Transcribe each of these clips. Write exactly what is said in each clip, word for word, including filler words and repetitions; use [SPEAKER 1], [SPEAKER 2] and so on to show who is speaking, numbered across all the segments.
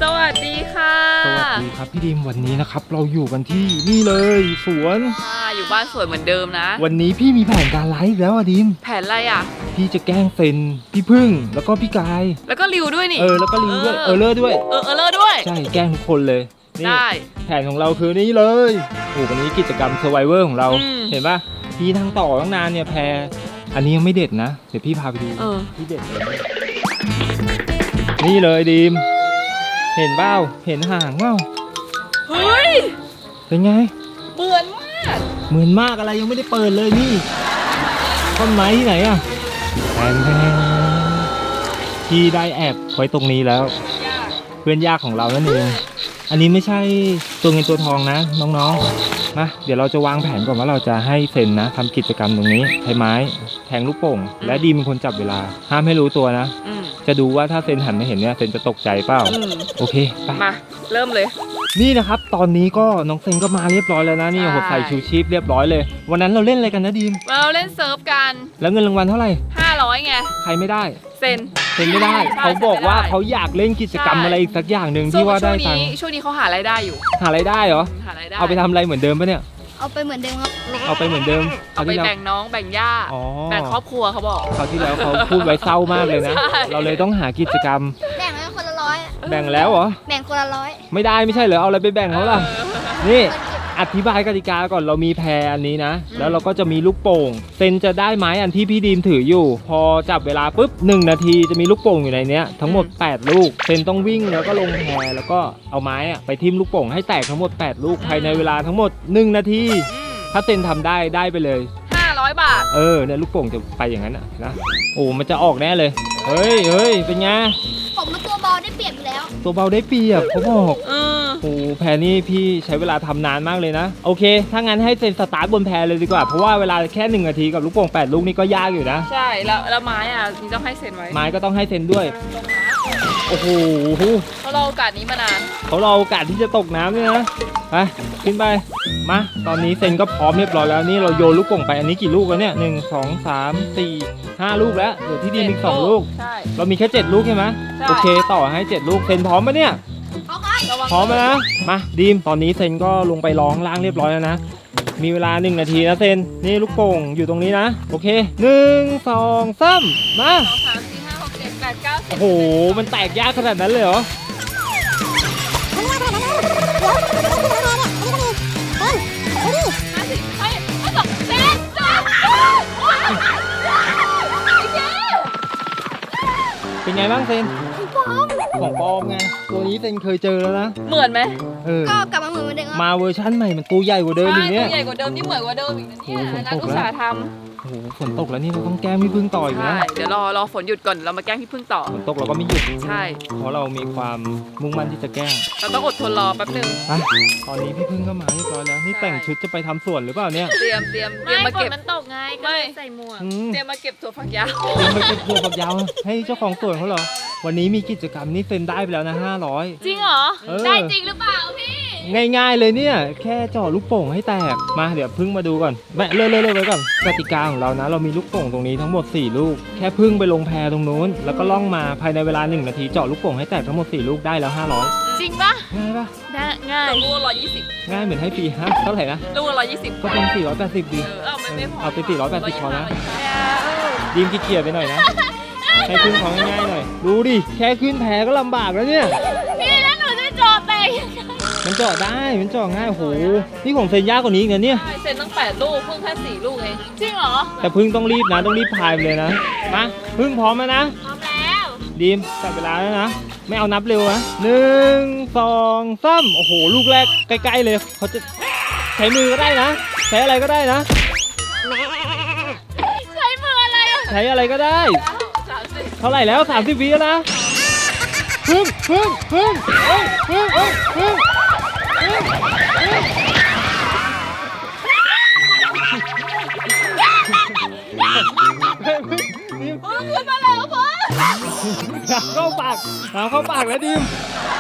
[SPEAKER 1] สวัสดีค่ะ
[SPEAKER 2] สวัสดีครับพี่ดิมวันนี้นะครับเราอยู่กันที่นี่เลยสวน
[SPEAKER 1] อยู่บ้านสวยเหมือนเดิมนะ
[SPEAKER 2] วันนี้พี่มีแผนการไลฟ์แล้วอะดิม
[SPEAKER 1] แผนอะไรอ่ะ
[SPEAKER 2] พี่จะแกล้งเซนพี่พึ่งแล้วก็พี่กาย
[SPEAKER 1] แล้วก็ริวด้วยนี่
[SPEAKER 2] เออแล้วก็ริวด้วยเออเลอร์ด้วย
[SPEAKER 1] เออเออเลอร์ด้วย
[SPEAKER 2] ใช่แกล้งทุกคนเลย
[SPEAKER 1] ได้
[SPEAKER 2] แผนของเราคือนี่เลยโอ้วันนี้กิจกรรม Survivor ของเราเห็นปะพี่ทั้งต่อตั้งนานเนี่ยแพรอันนี้ยังไม่เด็ดนะเดี๋ยวพี่พาไปดูพี่เด็ดเลยนี่เลยดิมเห็นเบ้าเห็นห่างเบ้า
[SPEAKER 1] เฮ้ย
[SPEAKER 2] เป็นไง
[SPEAKER 1] เหมือนมาก
[SPEAKER 2] เหมือนมากอะไรยังไม่ได้เปิดเลยนี่ต้นไม้ที่ไหนอะแทนแทนพี่ได้แอบไว้ตรงนี้แล้วเพื่อนยากของเรานั่นเองอันนี้ไม่ใช่ตัวเงินตัวทองนะน้องๆมาเดี๋ยวเราจะวางแผนก่อนว่าเราจะให้เซนนะทำกิจกรรมตรงนี้ใช้ไม้แทงลูกโป่งและดีเป็นคนจับเวลาห้ามให้รู้ตัวนะจะดูว่าถ้าเซนหันไม่เห็นเนี่ยเซนจะตกใจเปล่าโอเคไป
[SPEAKER 1] มาเริ่มเลย
[SPEAKER 2] นี่นะครับตอนนี้ก็น้องเซนก็มาเรียบร้อยแล้วนะนี่โอ้โหใส่ชูชีพเรียบร้อยเลยวันนั้นเราเล่นอะไรกันนะดีม
[SPEAKER 1] เราเล่นเซิร์ฟกัน
[SPEAKER 2] แล้วเงินรางวัลเท่าไหร่
[SPEAKER 1] ห้าร้อยไง
[SPEAKER 2] ใครไม่ได้
[SPEAKER 1] เซน
[SPEAKER 2] เซนไม่ได้เขาบอกว่าเขาอยากเล่นกิจกรรมอะไรอีกสักอย่างหนึ่งที่ว่าได้ตังค์
[SPEAKER 1] ช่วงนี้เขาหารายได้อยู่
[SPEAKER 2] หารายได้เหรอหารายได้เอาไปทำอะไรเหมือนเดิมปะเนี่ย
[SPEAKER 3] เอาไปเหมือนเดิมครับ
[SPEAKER 2] เอาไปเหมือนเดิม
[SPEAKER 1] เอาไปแบ่งน้องแบ่งย่าแบ่งครอบครัวเขาบอก
[SPEAKER 2] เขาที่แล้วเขาพูดไว้เศร้ามากเลยนะเราเลยต้องหากิจกรรม
[SPEAKER 3] แบ่งแล้วคนละร้อย
[SPEAKER 2] แบ่งแล้วเหรอ
[SPEAKER 3] แบ่งคนละร้อย
[SPEAKER 2] ไม่ได้ไม่ใช่เหรอเอาอะไรไปแบ่งเขาล่ะนี่อธิบายกติกาก่อนเรามีแพรอันนี้นะแล้วเราก็จะมีลูกโป่งเซนจะได้ไม้อันที่พี่ดีมถืออยู่พอจับเวลาปุ๊บหนึ่งนาทีจะมีลูกโป่งอยู่ในนี้ทั้งหมดแปดลูกเซนต้องวิ่งแล้วก็ลงแพรแล้วก็เอาไม้อะไปทิ่มลูกโป่งให้แตกทั้งหมดแปดลูกภายในเวลาทั้งหมดหนึ่งนาทีถ้าเซนทำได้ได้ไปเลย
[SPEAKER 1] ห้าร้อยบาท
[SPEAKER 2] เออเนี่ยลูกโป่งจะไปอย่างนั้นนะโอ้มันจะออกแน่เลยเฮ้ยเฮ้ยเป็นไง
[SPEAKER 3] ผมมันตัวเบาได้เปรียบอยู่แล้ว
[SPEAKER 2] ตัวเบาได้เปรียบเขาบอกโอ้แพรนี่พี่ใช้เวลาทำนานมากเลยนะโอเคถ้างั้นให้เซนสตาร์ทบนแพรเลยดีกว่าเพราะว่าเวลาแค่หนึ่งนาทีกับลูกโป่งแปดลูกนี่ก็ยากอยู่นะ
[SPEAKER 1] ใช่แล้วแล้วไม้อ่ะนี่ต้องให้เซนไว้
[SPEAKER 2] ไม้ก็ต้องให้เซนด้วยโอ้โห
[SPEAKER 1] เขารอโอกาสนี้มานาน
[SPEAKER 2] เขารอโอกาสที่จะตกน้ำเนี่ยนะไปขึ้นไปมาตอนนี้เซนก็พร้อมเรียบร้อยแล้วนี่เราโยนลูกโป่งไปอันนี้กี่ลูกแล้วเนี่ยหนึ่งสองสามสี่ห้าลูกแล้วเดี๋ยวที่ดีมีสองลูกเรามีแค่เจ็ดลูกใช่ไหมโอเคต่อให้เจ็ดลูกเซนพร้อมปะเนี่ยพร้อมนะมาดีมตอนนี้เซนก็ลงไปร้องล่างเรียบร้อยแล้วนะมีเวลาหนึ่งนาทีนะเซนนี่ลูกโป่งอยู่ตรงนี้นะโอเคหนึ่งสองสามมาโอ้โหมันแตกยากขนาดนั้นเลยเหรอเป็นไงบ้างเซนของปลอมไงตัวนี้เซนเคยเจอแล้วนะ
[SPEAKER 1] เหมือนไหม
[SPEAKER 3] เออก็กลับมาเหมือนเดิม
[SPEAKER 2] มาเวอร์ชั่นใหม่มันตัวใหญ่กว่าเดิมอีกเนี่ย
[SPEAKER 1] ตัวใหญ่กว่าเดิมนี่เหมือนกว่าเดิมอีกนะเนี่ยนักอุตสาหทำ
[SPEAKER 2] โอ้โหฝนตกแล้วนี่เราต้องแกล้งพี่พึ่งต่ออีกนะ
[SPEAKER 1] เดี๋ยวรอรอฝนหยุดก่อนเรามาแกล้งพี่พึ่งต่อ
[SPEAKER 2] ฝนตกเราก็ไม่หยุด
[SPEAKER 1] ใช่
[SPEAKER 2] เพราะเรามีความมุ่งมั่นที่จะแกล้ง
[SPEAKER 1] เราต้องอดทนรอแป๊บนึง
[SPEAKER 2] ตอนนี้พี่พึ่งก็มาเรียบร้อยแล้วนี่แต่งชุดจะไปทำสวนหรือเปล่าเนี่ย
[SPEAKER 1] เตรียมเตรียมเตรียมมาเก็บ
[SPEAKER 3] มันตกไงก็เลยใส่หมวก
[SPEAKER 1] เตรียมมาเก็บถั่วฝักยาว
[SPEAKER 2] เตรียมมาเก็บถั่วฝักยาวให้เจ้าของสวนเขาเหรอวันนี้มีกิจกรรมนี่เซ็นได้ไปแล้วนะห้าร้อย
[SPEAKER 1] จริงเหรอได้จริงหรือเปล่าพี่
[SPEAKER 2] ง่ายๆเลยเนี่ยแค่จ่อลูกโป่งให้แตกมาเดี๋ยวพึ่งมาดูก่อนแม่เลื่อนๆไว้ก่อนกติกาของเรานะเรามีลูกโป่งตรงนี้ทั้งหมดสี่ลูกแค่พึ่งไปลงแพตรงนู้นแล้วก็ล่องมาภายในเวลาหนึ่งนาทีเจาะลูกโป่งให้แตกทั้งหมดสี่ลูกได้แล้วห้าร้อย
[SPEAKER 1] จริงปะ
[SPEAKER 2] ง่ายปะ
[SPEAKER 1] ได้ง่ายลูกละร้อยยี่สิบ
[SPEAKER 2] ง่ายเหมือนให้ฟรีฮะเท่าไหร่นะ
[SPEAKER 1] ลูกละร้อยยี่สิบ
[SPEAKER 2] ก็เป็นสี่ร้อยแปดสิบดี
[SPEAKER 1] เอาไม่ไม่พอ
[SPEAKER 2] เอาเป็นสี่ร้อยแปดสิบพอนะดีมขี้เกียจไปหน่อยนะให้ขึ้นของง่ายหน่อยดูดิแค่ขึ้นแพก็ลำบากแล้วเนี่ย
[SPEAKER 1] พี่แล้วหนูจะจอดแต่
[SPEAKER 2] มันเจาะได้มันเจาะง่ายโหนี่ของเซนยากกว่านี้อีกนะเนี่ย
[SPEAKER 1] เซนตั้งแปดลูกพึ่งแค่สี่ลูกเองจริงเหรอ
[SPEAKER 2] แต่พึ่งต้องรีบนะต้องรีบพายไปเลยนะมาพึ่งพร้อมแล้วนะ
[SPEAKER 1] พร้อมแล้ว
[SPEAKER 2] ดีมจับเวลาแล้วนะไม่เอานับเร็วนะหนึ่งสองสามโอ้โหลูกแรกใกล้ๆเลยเขาจะใช้มือก็ได้นะใช้อะไรก็ได้นะ
[SPEAKER 1] ใช้มืออะไร
[SPEAKER 2] ใช้อะไรก็ได้เท่าไหร่แล้วสามสิบวิแล้วนะพึ่งพึ่งพึ่งพึ่งพึ่งพึ่งพึ่ง
[SPEAKER 1] ขึ้นมาแล้วพ่อ
[SPEAKER 2] เข้าปากเข้าปากแล้วดิม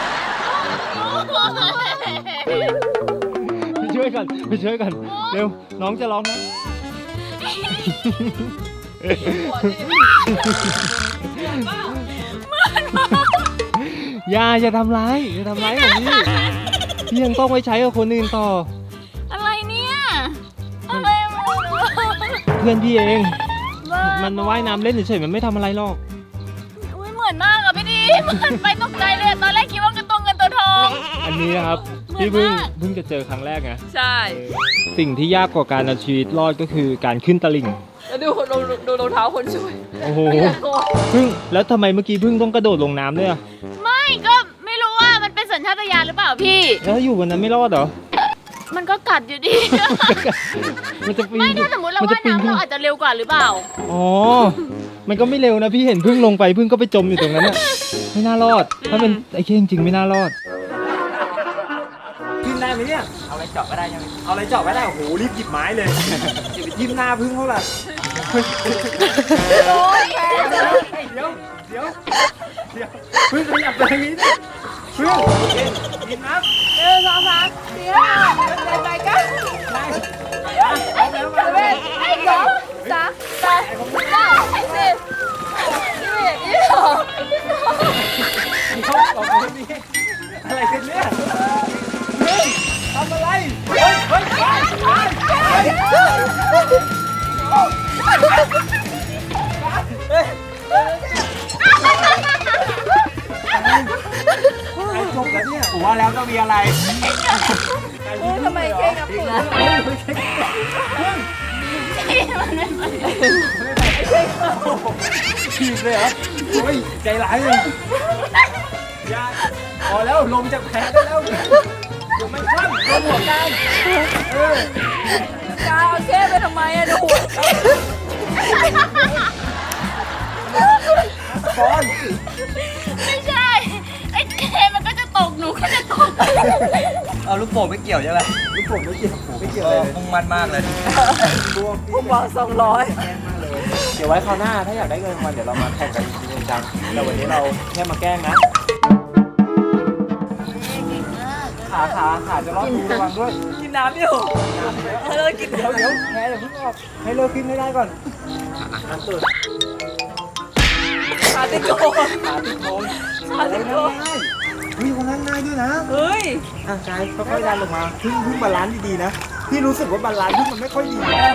[SPEAKER 2] ไปช่วยกันไปช่วยกันเร็วน้องจะร้องนะอย่าอย่าทำร้ายอย่าทำร้ายของพี่พี่ยังต้องไปใช้กับคนอื่นต่อ
[SPEAKER 1] อะไรเนี่ยอะไรวะ
[SPEAKER 2] เพื่อนพี่เอง
[SPEAKER 1] บ้า
[SPEAKER 2] มันว่ายน้ำเล่นเฉยๆมันไม่ทำอะไรหรอก
[SPEAKER 1] อุ้ยเหมือนมากอะพี่ดีเหมือนไปตกใจเลยอะตอนแรกคิดว่าเป็นตัวเงินตัวทอง
[SPEAKER 2] อันนี้นะครับ
[SPEAKER 1] เหมือน
[SPEAKER 2] พี่เพิ่ง
[SPEAKER 1] มาก
[SPEAKER 2] เพิ่งจะเจอครั้งแรกไง
[SPEAKER 1] ใช่
[SPEAKER 2] สิ่งที่ยากกว่าการเอาชีวิตรอดก็คือการขึ้นตลิ่ง
[SPEAKER 1] แล้วดูดูดูรองเท้าคนช่วย
[SPEAKER 2] โอ้โห
[SPEAKER 1] ไม่น่ากลัว
[SPEAKER 2] เพิ่งแล้วทำไมเมื่อกี้เพิ่งต้องกระโดดลงน้ำด้วยอะ
[SPEAKER 1] ไม่ก็ไม่รู้ว่ามันเป็นสัญชาตญาณหรือเปล่าพี่
[SPEAKER 2] แล้วอยู่บนนั้นไม่รอดเหรอ
[SPEAKER 1] มันก็กัดอยู่ดี
[SPEAKER 2] มันจะปีน
[SPEAKER 1] ไม่ถ้าสมมติเรา
[SPEAKER 2] นจะ
[SPEAKER 1] ว่าย
[SPEAKER 2] ปี
[SPEAKER 1] น้ำ
[SPEAKER 2] ขึ้
[SPEAKER 1] เราอาจจะเร็วกว่าหรือเปล่า
[SPEAKER 2] อ๋อ มันก็ไม่เร็วนะพี่เห็นเพิ่งลงไปเพิ่งก็ไปจมอยู่ตรงนั้นอะไม่น่ารอด ถ้าเป็นไอ้เค้จริงๆไม่น่ารอด ขึ้นได้ไหมเนี่ย เอาอะไรเจาะก็ได้ยังเอาอะไรเจาะก็ได้โอ้โหรีบหยิบไม้เลยอย่าไปทิ่มหน้าพึ่งเขาล่ะโอ้ยเดี๋ยวเดี๋ยวเดี๋ยวพึ่งขยับไปทางนี้ดิพึ่งหยิบน้ำ
[SPEAKER 1] เออสองสามสี่ห้าใจใจกัน
[SPEAKER 2] ได้เอาแล้วมาเลย
[SPEAKER 1] ไอ้สองสามแปดเก้าสิบยี่สิบยี่สิบสองยี่สิบสอง
[SPEAKER 2] เขาบอกว่ามีอะไรกันเนี่ยเฮ้ยทำอะไรเฮ้ยเฮ้ยไปไปไอ้จบแล้วเนี่ยผมว่าแล้วต้องมีอะไร
[SPEAKER 1] ทำไมเก่งกับปุ๋ย
[SPEAKER 2] ฉีดเลยเหรอโอ้ยใจร้ายเลยอย่าพอแล้วลมจากแผลได้แล้วเดี๋ยวมันคลั่งโดนหัวกลางเออก
[SPEAKER 1] าวเอาเช่ไปทำไมอะดู
[SPEAKER 2] บอล
[SPEAKER 1] ไม่ใช่ ไอ้เคมันก็จะตกหนูก็จะตก
[SPEAKER 4] เอาลูกโป่งไม่เกี่ยวใช่ไหม
[SPEAKER 2] ลูกผมไม่เกี่ยวผมไม่เกี่ยว
[SPEAKER 4] เอ
[SPEAKER 2] เล
[SPEAKER 4] อย มุ่งมั่นมากเลย
[SPEAKER 1] ผมวางสองร้อย
[SPEAKER 2] เดี๋ยวไว้คราวหน้าถ้าอยากได้เงินรางวัลเดี๋ยวเรามาแข่งกันจริงจังแต่วันนี้เราแค่มาแกล้งนะขาขาขาจะรอดดูระวังด้วย
[SPEAKER 1] กินน้ำอยู่เออกิน
[SPEAKER 2] เดี๋ยวเดี๋ยวแพ้เดี๋ยวเพิ่งออกให้เลิกขึ้นให้ได้ก่อนนั่นสุด
[SPEAKER 1] ขาติดโก
[SPEAKER 2] ขาติดโคน
[SPEAKER 1] ขาติดโก
[SPEAKER 2] เฮ้ยคนนั้นง่ายด้วยนะ
[SPEAKER 1] เฮ้ย
[SPEAKER 2] อ่ะกายค่อยๆดันลงมาพึ่งพึ่งบาลานซ์ดีๆนะพี่รู้สึกว่าบาลานซ์พึ่งมันไม่ค่อยดี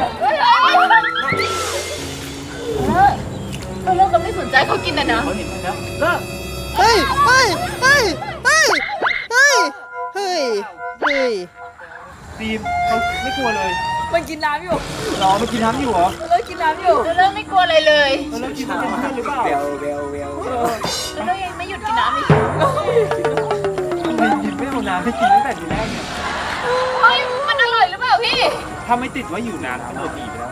[SPEAKER 1] เออเราก็ไม่สนใจเขากินแต่นะ
[SPEAKER 2] เขาเห็นแล้วเลิก
[SPEAKER 5] เฮ้ย เฮ้ย เฮ้ย เฮ้ย เฮ้ย เฮ้ย เฮ้ย
[SPEAKER 2] ทีมเขาไม่กลัวเลย
[SPEAKER 1] มันกินน้ำอยู่
[SPEAKER 2] รอมากินน้ำอยู่เหรอ
[SPEAKER 1] เลิกกินน้ำอยู่เลิกไม่กลัวอะไรเลย
[SPEAKER 2] เออแล้วกินน้ำเป็นเพื่อนหรือเปล่า
[SPEAKER 4] เบลเบลเบล
[SPEAKER 1] เลิกยังไม่หยุดกินน้ำอีก
[SPEAKER 2] ทำไมยินไม่เอาน้ำให้กินตั้งแต่ทีแรกเนี่ย
[SPEAKER 1] เฮ้ยมันอร่อยหรือเปล่าพี่
[SPEAKER 2] ถ้าไม่ติดว่าอยู่นานทั้งหมดหนีไปแล้ว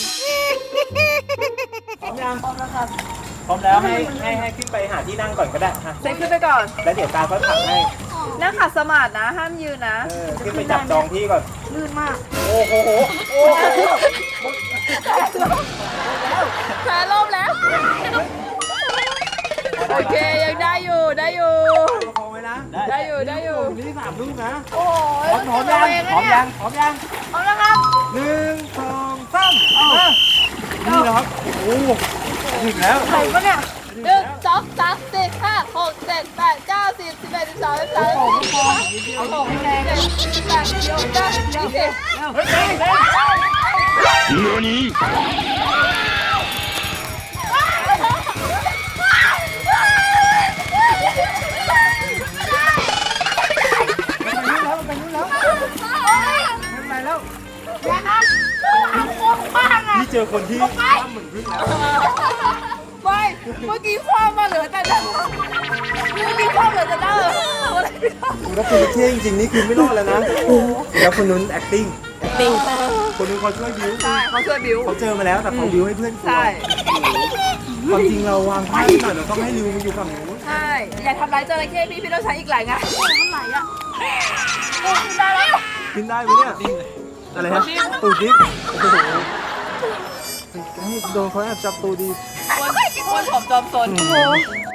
[SPEAKER 2] พร้อมยังพร้อมแล้วครับพร้อมแล้วให้ให้ให้ขึ้นไปหาที่นั่งก่อนก็ได้ฮะ
[SPEAKER 6] เซ็นขึ้นไปก่อน
[SPEAKER 2] แล้วเดี๋ยวตาก็ถักให้
[SPEAKER 6] นั่งขัดสมาธินะ ห้ามยืนนะ
[SPEAKER 2] เออขึ้นไปจับจองที่ก่อน
[SPEAKER 6] ลื่นมาก
[SPEAKER 2] โอ้โหโอ้โห
[SPEAKER 6] แพ้ลมแล้ว โอเค ยังได้อยู่ ได้อยู่
[SPEAKER 2] ประคองไว้นะ
[SPEAKER 6] ได้อยู่ ได้อยู่
[SPEAKER 2] นี่สามลูกนะ
[SPEAKER 6] โอ้ย
[SPEAKER 2] พร้อมพร้อมยังพร้อมยังพร้อมยัง
[SPEAKER 6] เอาละครับ
[SPEAKER 2] หนึ่งสองสามมานี่นะครับโอ้โหถึงแล้ว
[SPEAKER 6] ไหนวะเนี่ย
[SPEAKER 1] หนึ่งสองสามสี่ห้าหกเจ็ดแปดเก้าสิบสิบเอ็ดสิบสองสิบสามสิบสี่สิบห้าสิบหกสิบเจ็ดสิบแปดสิบเก้าสิบยี่สิบ
[SPEAKER 2] เฮ้ยเฮ้ยเฮ้ย ไปนู่นแล้วไปนู่นแล้วไม่ไปแล้วนี่เจอคนที่ทำเหมือนพึ่งแล้ว
[SPEAKER 6] ไม่ เมื่อกี้คว้ามาเหลือแต่หน้าเมื่อกี้คว้าเหลือแต่หน้าอะไรไม่ได้
[SPEAKER 2] แล้วคุณเท่จริงๆนี่คือไม่รอดแล้วนะแล้วคนนู้น acting
[SPEAKER 6] ติง
[SPEAKER 2] คนนู้นเขาช่วยบิ้ว
[SPEAKER 6] ใช่เขาช่วยบิว
[SPEAKER 2] เขาเจอมาแล้วแต่เขาบิ้วให้เพื่อนกลัว
[SPEAKER 6] ใช่
[SPEAKER 2] ความจริงเราวางแผนหน่อยเราต้องให้ริวมาอยู่ฝั่งนู้น
[SPEAKER 6] ใช่ อย่าทำร้ายจระเข้พี่ พี่ต้องใช้อีกหลายงานโอ้มันไหลอ่ะโอ้ได้แล้ว
[SPEAKER 2] กินได้ไหมเนี่ยอะไรฮะตูดดิบโอ้โหให้โดนเขาแอบจับตูดี
[SPEAKER 6] คนคนผอมจอมสนโอ้โห